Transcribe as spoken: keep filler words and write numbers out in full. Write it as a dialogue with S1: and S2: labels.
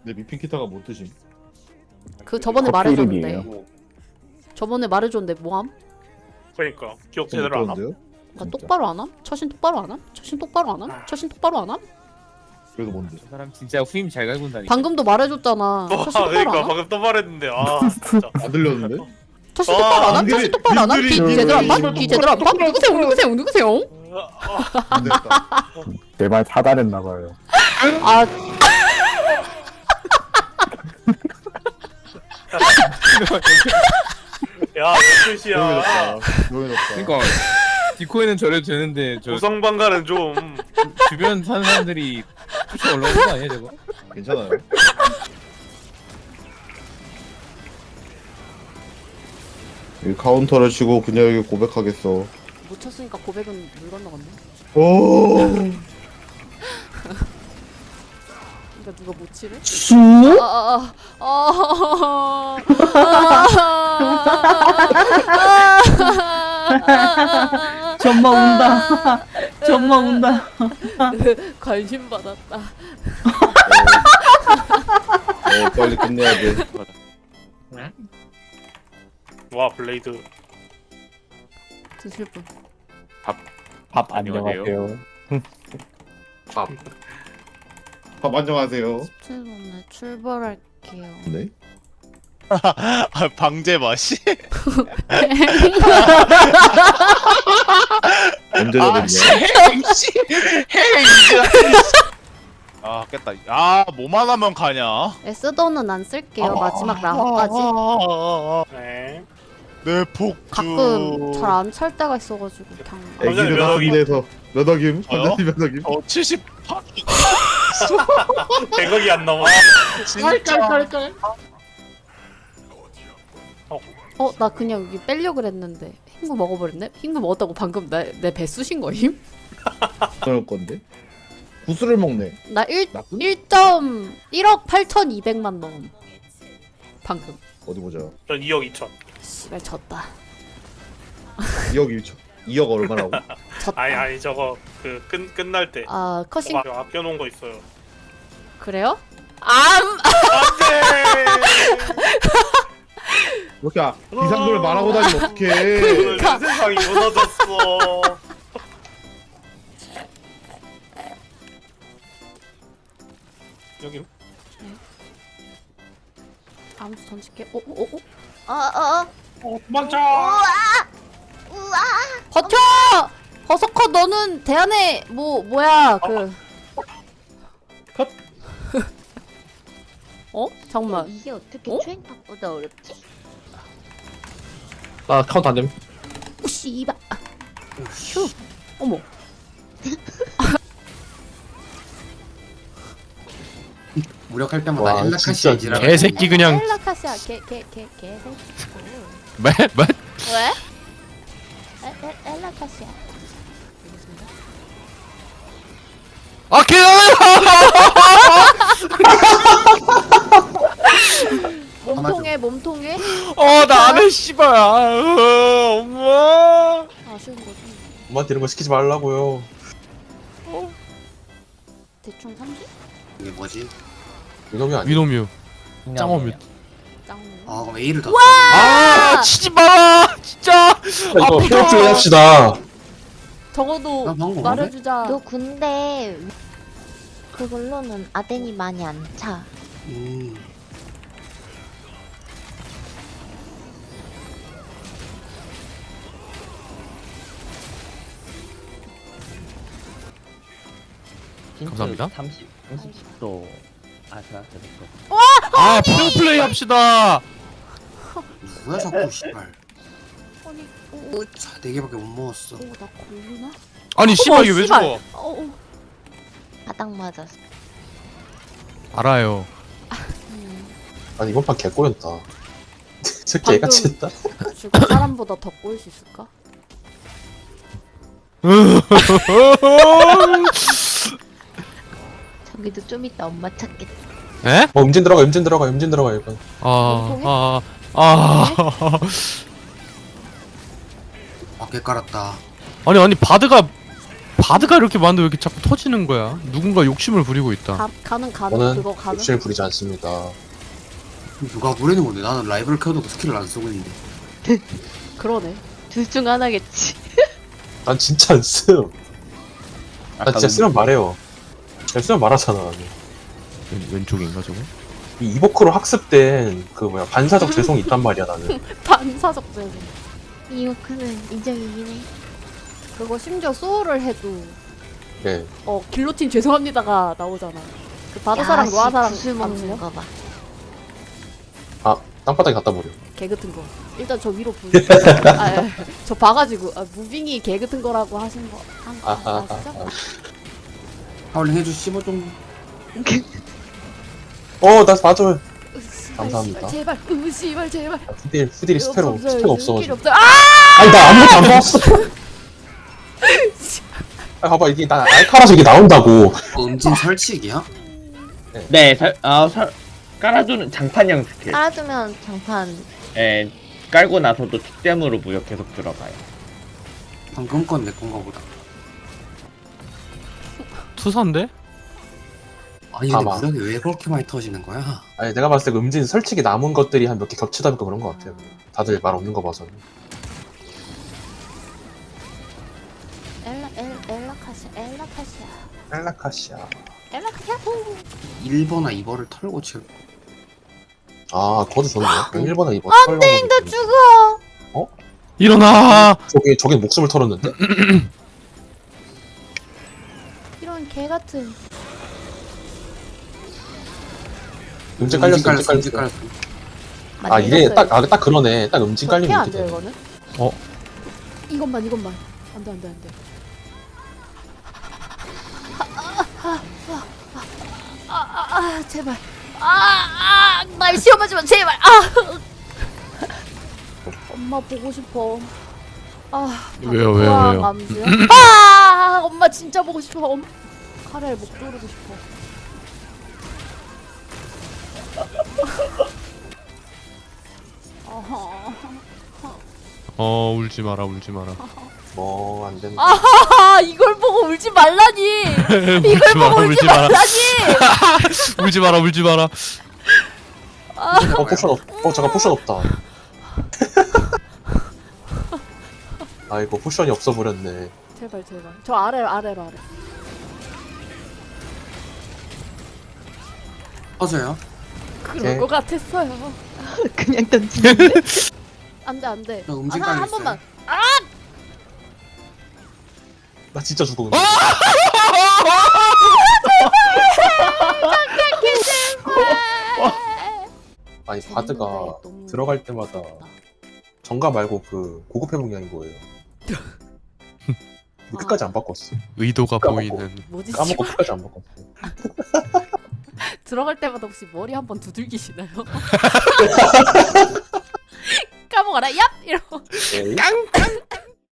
S1: 근데 미핑 키타가 못 드심.
S2: 그 저번에
S3: 커피
S2: 말해줬는데.
S3: 이름이에요.
S2: 저번에 말해줬는데 뭐함?
S4: 그러니까 기억
S1: 좀
S4: 제대로 안 함?
S1: 못하는데요?
S2: 나
S1: 진짜.
S2: 똑바로 안 함? 처신 똑바로 안 함? 처신 똑바로 안 함? 처신 똑바로 안 함?
S1: 그래도 뭔데?
S5: 저 사람 진짜 후임 잘 갈군다니까.
S2: 방금도 말해줬잖아.
S4: 와
S2: 처신 똑바로
S4: 그러니까
S2: 안 함?
S4: 방금 또 말했는데 아 진짜
S1: 안 들렸는데?
S2: 처신
S4: 아,
S2: 똑바로 안 함?
S1: 님들이-
S2: 처신 똑바로 안 함? 귀
S1: 님들이-
S2: 제대로 안 봐?
S1: 님들이-
S2: 귀 제대로 안 봐? 누구세요? 누구세요? 누구세요?
S1: 안 됐다.
S3: 내 말 사달했나봐요.
S2: 아
S4: 야 몇 뜻이야
S1: 조용해졌다. 조용해졌다.
S5: 그러니까 디코에는 저래도 되는데 저
S4: 고성방가는 좀
S5: 주변 사는 사람들이 쫓아 올라오는 거 아니야 저거?
S1: 괜찮아요. 이 카운터를 치고 그녀에게 고백하겠어.
S2: 못 쳤으니까 고백은 물 건너갔네.
S1: 오.
S2: 그러니까 누가 못 치래?
S3: 수?
S2: 아아아
S6: 전마 운다. 전마 운다.
S2: 관심 받았다.
S1: 어 빨리 끝내야 돼.
S4: 와 블레이드
S2: 드실 분.
S3: 밥
S5: 안녕하세요.
S3: 안녕하세요.
S1: 밥 안녕하세요.
S2: 십칠 분에 출발할게요.
S1: 네?
S7: 아, 방제 맛이?
S1: 언제
S7: 아,
S1: 되겠냐?
S7: 씨, 행씨, 행씨. 아, 깼다. 아, 뭐만 하면 가냐?
S2: 에스더는 안 쓸게요. 마지막 라운드까지.
S4: 네
S7: 내 폭주.
S2: 가끔 잘 안 찰 때가 있어가지고 그냥.
S1: 애기들
S4: 몇
S1: 같은
S4: 억이-
S1: 데서 몇 억임?
S7: 저요?
S1: 완전히 몇 억임?
S7: 어, 칠십팔.
S4: 백억이 안 넘어
S7: 진짜.
S2: 어, 나 그냥 여기 빼려 그랬는데 흰구 먹어버렸네. 흰구 먹었다고 방금 내 내 배 쑤신 거임?
S1: 그럴 건데. 구슬을 먹네.
S2: 나 일
S1: 나쁜?
S2: 일 점 일억 팔천이백만 넣음. 방금.
S1: 어디 보자.
S4: 전 이억 이천
S2: 씨발 졌다.
S1: 이억 일천. 이억 얼마라고?
S2: 졌다.
S4: 아니 아니 저거 그 끝, 끝날 때
S2: 아 컷싱
S4: 아, 아껴놓은 거 있어요
S2: 그래요? 암.
S4: 안돼
S1: 이렇게 아, 이상도를 말하고 다니면 어떡해.
S4: 오늘 내 세상이 무너졌어 여기
S2: 암수 던질게. 오오오 오. 아아
S4: 어, 도망쳐
S2: 버텨. 버서커 너는 대안에 뭐 뭐야 그.
S1: 컷.
S2: 어? 잠깐만.
S8: 이게 어떻게
S2: 어?
S8: 트윈탑보다 어렵지?
S9: 나 카운트 안 됨.
S2: 오 씨발. 휴. 어머.
S10: 무력할 때마다
S9: 와,
S10: 엘라카시
S9: 진짜
S10: 지랄.
S9: 개새끼 그냥.
S2: 헬라카시아 개개개 개새끼.
S9: 뭐? 뭐?
S2: 왜? 에, 에, 엘라카시아.
S9: 아 개!
S2: 몸통에 몸통에
S9: 어나 안해 씨발. 아, 엄마.
S2: 아쉬운 거지.
S9: 엄마한테 이런 거 시키지 말라고요.
S2: 대충 삼십?
S10: 이게 뭐지?
S9: 위놈이 아니야. 위놈이요. 짱어뮤.
S2: 짱.
S10: 아 그럼 A를 더
S9: 아 치지 마라 진짜.
S3: 이거 피력 좀 합시다.
S2: 적어도
S10: 나 방금
S2: 말해주자.
S8: 너 근데 그걸로는 아덴이 많이 안 차.
S10: 음.
S9: 감사합니다.
S6: 삼십, 삼십 도. 아, 제가 됐어.
S9: 아 프로 플레이 합시다.
S10: 뭐야 자꾸 씨발.
S2: 아니, 오,
S10: 자, 네 개밖에 못 먹었어.
S2: 오, 나 걸리나?
S9: 아니 씨발 이게 왜
S2: 씨발.
S9: 죽어?
S2: 어, 어.
S8: 바닥 맞았어.
S9: 알아요.
S3: 아니 이번 판 개꼬였다. 새끼
S2: 방금-
S3: 애같이 했다.
S2: 죽은 사람보다 더 꼬일 수 있을까?
S8: 저기도 좀 이따 엄마 찾겠다.
S9: 에?
S3: 어 음진 들어가 음진 들어가 음진 들어가 이번.
S9: 아, 아, 아.
S10: 밖에 깔았다.
S9: 아니, 아니, 바드가 바드가 이렇게 많은데 왜 이렇게 자꾸 터지는 거야? 누군가 욕심을 부리고 있다.
S2: 가, 가는 가는
S3: 저는
S2: 그거 가는.
S3: 욕심을 부리지 않습니다.
S10: 누가 부리는 건데 나는 라이브를 켜도 스킬을 안 쓰고 있는데.
S2: 그러네.
S8: 둘 중 하나겠지.
S3: 난 진짜 안 쓰요. 나 진짜 쓰면 말해요. 그냥 쓰면 말하잖아. 나는.
S9: 왼, 왼쪽인가 저거?
S3: 이 이보크로 학습된 그 뭐야 반사적 죄송이 있단 말이야 나는.
S2: 반사적 재생.
S8: 이오크는 인정이긴 해.
S2: 그거 심지어 소울을 해도
S3: 네.
S2: 어 길로틴 죄송합니다가 나오잖아. 그 바다사랑 노아사랑
S8: 구슬 먹는
S2: 암수요?
S8: 거 봐.
S3: 아 땅바닥에 갖다 버려.
S2: 개 같은 거. 일단 저 위로 부. 아, 예. 저 봐가지고 아, 무빙이 개 같은 거라고 하신 거. 한 거.
S3: 아하하.
S2: 아시죠?
S10: 하울링 해주시고 좀.
S3: 어, 나 맞아요.
S2: 으씨발,
S3: 감사합니다.
S2: 제발, 으씨발 제발.
S3: 아, 후딜 후딜이 스페로
S2: 없어요.
S3: 스페가
S2: 눈길이
S3: 없어가지고.
S2: 없어요. 아!
S3: 아니 나 아무것도 안 봤어. 아 봐봐 이게 나 알카라서 이게 나온다고.
S10: 어, 음진 설치기야?
S6: 네, 설, 아, 설, 깔아주는 장판형 스킬.
S8: 깔아두면 장판.
S6: 예, 깔고 나서도 특댐으로 무역 계속 들어가요.
S10: 방금 건 내 건가 보다.
S9: 투사인데?
S10: 아니 근데
S3: 봐봐.
S10: 무력이 왜 그렇게 많이 터지는 거야?
S3: 아니 내가 봤을 때 그 음진 설치기 남은 것들이 한 몇 개 겹치다 보니까 그런 것 같아요. 다들 말 없는 거 봐서.
S8: 엘라 엘 엘라카시아 엘라카시아
S3: 헬라카시아.
S2: 엘라카시아.
S10: 일 번이나 이 번을 털고 칠.
S3: 아 그것도 좋네요. 일 번에 이 번.
S2: 안돼, 나 죽어.
S9: 일어나!
S3: 저기 저기 목숨을 털었는데.
S2: 이런 개 같은.
S3: 음진 깔렸어. 음진 깔렸어.
S10: 음진 깔렸어.
S3: 아 이게 딱 아 딱 그러네. 딱 음진 깔리면
S2: 안
S3: 이렇게
S2: 돼요
S3: 돼.
S2: 이거는?
S9: 어?
S2: 이것만 이것만. 안돼 안돼 안돼. 아아아아아 제발. 아아날 시험하지 마 제발. 아. 엄마 보고 싶어. 아.
S9: 왜요, 왜요,
S2: 우와,
S9: 왜요?
S2: 암수요? 아 엄마 진짜 보고 싶어. 엄... 카레 목 조르고 싶어. 어허.
S9: 어 울지 마라 울지 마라.
S3: 뭐안 된다.
S2: 아하하 이걸 보고 울지 말라니.
S9: 울지
S2: 이걸
S9: 마라
S2: 보고 울지
S9: 울지 마라.
S2: 말라니.
S9: 울지 마라 울지 마라.
S3: 어 포션 없. 어 잠깐 포션 없다. 아이고 포션이 없어 버렸네.
S2: 제발 제발. 저 아래로 아래로 아래.
S10: 터져요?
S2: 그럴
S3: 네.
S2: 것 같았어요.
S8: 그냥 던지는데?
S2: 안돼 안돼.
S10: 저 음진
S2: 아, 한
S10: 깔렸어요.
S2: 번만.
S3: 나 진짜 죽어 근데. 아니 바드가
S2: 너무-
S3: 들어갈 때마다 정가 말고 그 고급 회복량인 거예요. 근데 끝까지 안 바꿨어.
S9: 의도가
S3: 까먹고.
S9: 보이는.
S2: 뭐지?
S3: 까먹고
S2: 씨발.
S3: 끝까지 안 바꿨어.
S2: 들어갈 때마다 혹시 머리 한 번 두들기시나요? 까먹어라 얍 이러고.
S3: 에이?
S2: 깡깡